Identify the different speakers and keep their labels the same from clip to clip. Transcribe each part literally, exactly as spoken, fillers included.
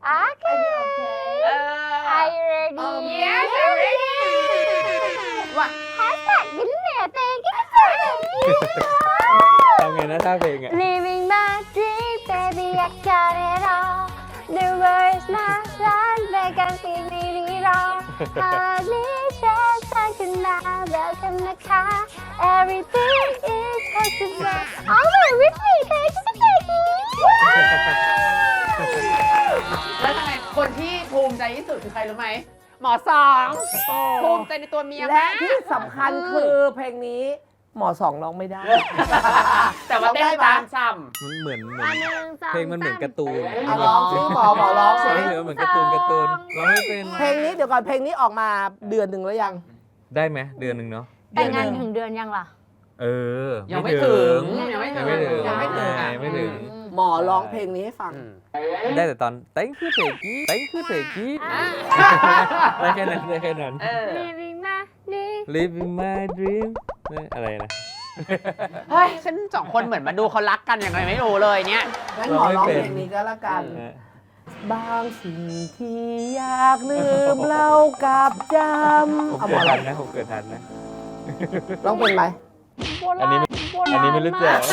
Speaker 1: Okay. Are you ready?
Speaker 2: Yes, I'm ready. What?
Speaker 1: Hashtag ยิ้มเหนือเตงก็สวย
Speaker 3: ทำไงนะท่าเพลงอ่ะ
Speaker 1: Living my dream, baby, I got it all. The world is not done, but I can see it all. Honey, just like you now, welcome to car. Everything is possible. Oh, my Ricky, can I just say it?
Speaker 2: แล้วทำไมคนที่ภูมิใจที่สุดคือใครรู้ไหมหมอสองภูมิใจในตัวเมีย
Speaker 4: และ
Speaker 2: มาก
Speaker 4: ที่สำคัญคือเพลงนี้หมอสองร้องไม่ได้
Speaker 2: แต่ว่าเต้นตามช่
Speaker 3: มันเหมือนเหมือ
Speaker 1: อั
Speaker 3: น
Speaker 1: นหนึ่งสอง
Speaker 3: เพลงมันเหมือนการ์ตูน
Speaker 4: เอาร้องสิหมอหมอร้องสิ
Speaker 3: เพลงมันเหมือนการ์ตูนการ์ตูนร้องไม่เป็น
Speaker 4: เพลงนี้เดี๋ยวก่อนเพลงนี้ออกมาเดือนหนึ่งแล้วยัง
Speaker 3: ได้ไหมเดือนหนึ่งเนาะ
Speaker 1: แต่งงานถึงเดือนยังล่ะ
Speaker 3: เออ
Speaker 2: ำยังไม่ถึงยังไม่ถึ
Speaker 3: ยัง
Speaker 2: ง
Speaker 3: ไม่ถึง
Speaker 4: ยังไม่ถึง
Speaker 3: ยังไม่ถึง
Speaker 4: หมอร้องเพลงนี้ให้ฟัง
Speaker 2: อืม
Speaker 3: ได้แต่ตอนเต้นคือเพลงกี้เต้นคือเพลงกี้ได้แค่นั้นได้แค่นั้น
Speaker 2: เออ
Speaker 1: Living my dream
Speaker 3: Living my dream อะไรนะ
Speaker 2: เฮ้ยฉันสองคนเหมือนมาดูเขารักกันอย่างไรไม่รู้เลยเนี่ย
Speaker 4: งั้นหมอร้องเพลงนี้ก็แล้วกัน บางสิ่งที่อยากลืมเล่ากับจำ
Speaker 3: ผม
Speaker 4: เอาหม
Speaker 3: เกิ
Speaker 4: อ
Speaker 3: ด
Speaker 4: ร้
Speaker 3: ทั
Speaker 4: อง
Speaker 3: นนะผมเกิดทันนะ
Speaker 4: ร้องเป็นไหม
Speaker 1: โบ
Speaker 3: อัน
Speaker 1: รา
Speaker 3: นี้
Speaker 1: ณ
Speaker 3: ไม่
Speaker 1: โบราณ
Speaker 3: อันนี้ไม่รู้จัก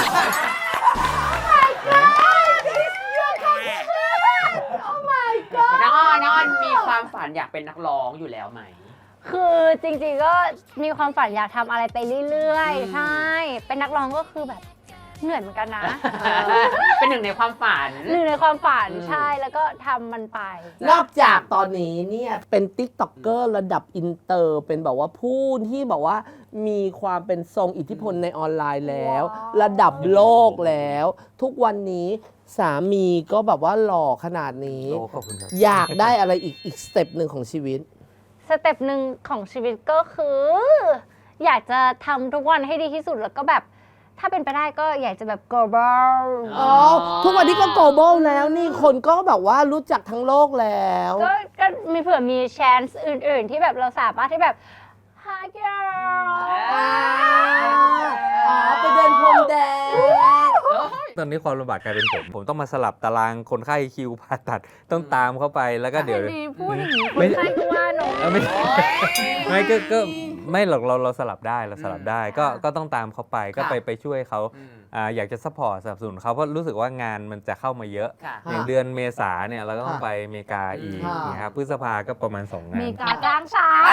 Speaker 2: น้องอ้อนน้องอ้อนมีความฝันอยากเป็นนักร้องอยู่แล้วไหม
Speaker 1: คือจริงๆก็มีความฝันอยากทำอะไรไปเรื่อยๆ ใช่ เป็นนักร้องก็คือแบบเหนื่อยเหมือนกันนะ
Speaker 2: เป็นหนึ่งในความฝัน
Speaker 1: หนึ่งในความฝัน
Speaker 2: อืม
Speaker 1: ใช่แล้วก็ทำมันไป
Speaker 4: นอกจากตอนนี้เนี่ยเป็นติ๊กต็อกเกอร์ระดับอินเตอร์เป็นแบบว่าผู้ที่แบบว่ามีความเป็นทรงอิทธิพลในออนไลน์แล้ว
Speaker 1: ว้าว
Speaker 4: ระดับโลกแล้ว ทุกวันนี้สามีก็แบบว่าหล่อขนาดนี้
Speaker 3: โอ้ขอบคุณครับ
Speaker 4: อยากได้อะไรอีกอีกสเต็ปหนึ่งของชีวิต
Speaker 1: สเต็ปหนึ่งของชีวิตก็คือ อยากจะทำทุกวันให้ดีที่สุดแล้วก็แบบถ้าเป็นไปได้ก็อยากจะแบบ global
Speaker 4: อ๋อ ทุกวันนี้ก็ global แล้วนี่คนก็แบบว่ารู้จักทั้งโลกแล้ว
Speaker 1: ก็ก็มีเผื่อมี chance อื่นๆ ที่แบบเราสามารถที่แบบ hi girl
Speaker 4: อ่าอ๋อ ไปเดินพรมแดง
Speaker 3: ตอนนี้ความลำบากกลายเป็นผม ผมต้องมาสลับตารางคนไข้คิวผ่าตัดต้องตามเข้าไปแล้วก็เดี๋ยว
Speaker 1: ดีพูดอย่างนี้ค
Speaker 3: ไม่
Speaker 1: นไข้ก็ว่าหนู
Speaker 3: เออไม่ไม่ก็ก็ไม่หรอกเราเราสลับได้เราสลับได้ก็ก็ต้องตามเขาไปก็ไปไปช่วยเขาอ่าอยากจะซัพพอร์ตสนับสนุนเขาเพราะรู้สึกว่างานมันจะเข้ามาเยอะ
Speaker 2: ค่ะ
Speaker 3: อย่างเดือนเมษาเนี่ยเราก็ต้องไปอเมริกาอีก
Speaker 4: ค่ะ
Speaker 3: นะครับพฤษภาก็ประมาณสองงา
Speaker 1: เม
Speaker 3: น
Speaker 1: กาจ้างฉัน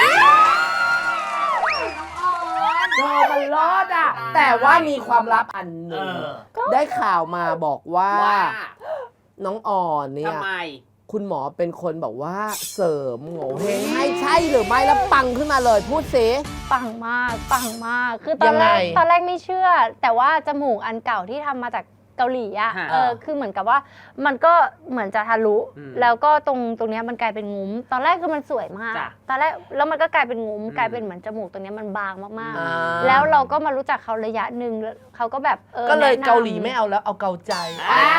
Speaker 4: โจมันรอดอ่ะ แต่ว่ามีความลับอันหนึ่ง
Speaker 2: เออ
Speaker 4: ได้ข่าวมาบอกว่า
Speaker 2: ว่า
Speaker 4: น้องอ่อนเนี่ย
Speaker 2: ทำไม
Speaker 4: คุณหมอเป็นคนบอกว่าเสริมโง่เฮงให้ใช่หรือไม่แล้วปังขึ้นมาเลยพูดสิ
Speaker 1: ปังมากปังมาก คือตอนแรก
Speaker 4: ยังไง
Speaker 1: ตอนแรกไม่เชื่อ แต่ว่าจมูกอันเก่าที่ทำมาจากเกาหลีอะ
Speaker 2: ฮะ
Speaker 1: เออคือเหมือนกับว่ามันก็เหมือนจะทะลุ
Speaker 2: อืม
Speaker 1: แล้วก็ตรงตรงเนี้ยมันกลายเป็นงุ้ม ตอนแรกคือมันสวยมาก
Speaker 2: จ้ะ
Speaker 1: ตอนแรกแล้วมันก็กลายเป็นงุ้ม
Speaker 2: อืม
Speaker 1: กลายเป็นเหมือนจมูกตรงเนี้ยมันบางมาก
Speaker 4: อ่า
Speaker 1: ๆ แล้วเราก็มารู้จักเขาระยะหนึ่งแล้วเขาก็แบบเออ
Speaker 4: ก็เลย
Speaker 1: แนะนำ
Speaker 4: เกาหลีไม่เอาแล้วเอาเกาใจ
Speaker 2: อ่า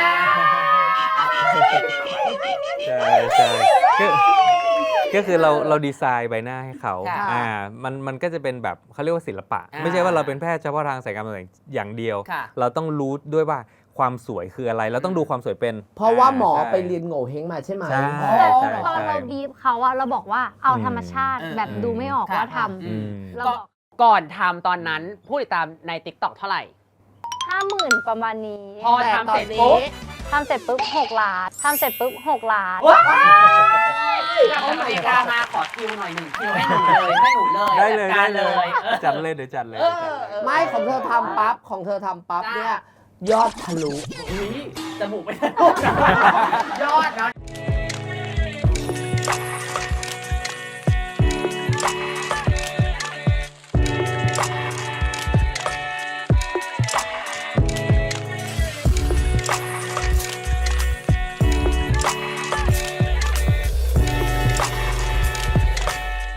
Speaker 3: ใช่ใช่ก็ก็คือเราเราดีไซน์ใบหน้าให้เขา
Speaker 2: ค่ะ
Speaker 3: อ่ามันมันก็จะเป็นแบบเขาเรียกว่าศิลปะ
Speaker 2: อ่า
Speaker 3: ไม่ใช่ว่าเราเป็นแพทย์เฉพาะทางศัลยกรรมอย่างเดียว
Speaker 2: ค่ะ
Speaker 3: เราต้องรู้ด้วยว่าความสวยคืออะไร เราต้องดูความสวยเป็น
Speaker 4: เพราะว่าหมอ
Speaker 3: ใช่
Speaker 4: ไปเรียนโง่เฮงมาใช่ไหม
Speaker 3: ใช่
Speaker 1: แต่
Speaker 3: ใช่
Speaker 1: ตอนเราบีบเขาอะเราบอกว่าเอา
Speaker 3: อืม
Speaker 1: ธรรมชาติ
Speaker 2: อืม
Speaker 1: แบบดูไม่ออก
Speaker 2: ค่ะ
Speaker 1: ว่าท
Speaker 3: อืม
Speaker 1: ำเรา
Speaker 2: ก็
Speaker 1: บอก
Speaker 2: ก่อนทำตอนนั้นผู้ติดตามใน ติ๊กต็อก เท่าไหร่
Speaker 1: ห้าหมื่นประมาณนี้
Speaker 2: พอ
Speaker 4: แต่
Speaker 2: ทำ
Speaker 4: ตอ
Speaker 2: เสร็
Speaker 4: น
Speaker 2: จ
Speaker 4: นี้
Speaker 2: ปุ๊บ
Speaker 1: ทำเสร็จปุ๊บหกล้านทำเสร็จปุ๊บหกล้าน
Speaker 2: ว้ายจากอเมริกามาขอคิวหน่อยหนึ่งคิวให้หนูเลยให้หนูเลย
Speaker 3: ได้เลย
Speaker 2: จั
Speaker 3: ได้
Speaker 2: ด
Speaker 3: เล
Speaker 2: การ
Speaker 3: ยจัดเลยเดี๋ยวจัดเลย
Speaker 2: เอ
Speaker 3: เดี๋ยวจัด
Speaker 2: อเออ
Speaker 4: ไม่ของเธอทำปั๊บของเธอทำปั๊บเนี่ยยอดทะลุ
Speaker 2: อุ๊ยจมูกไม่ได้ ยอดเนาะ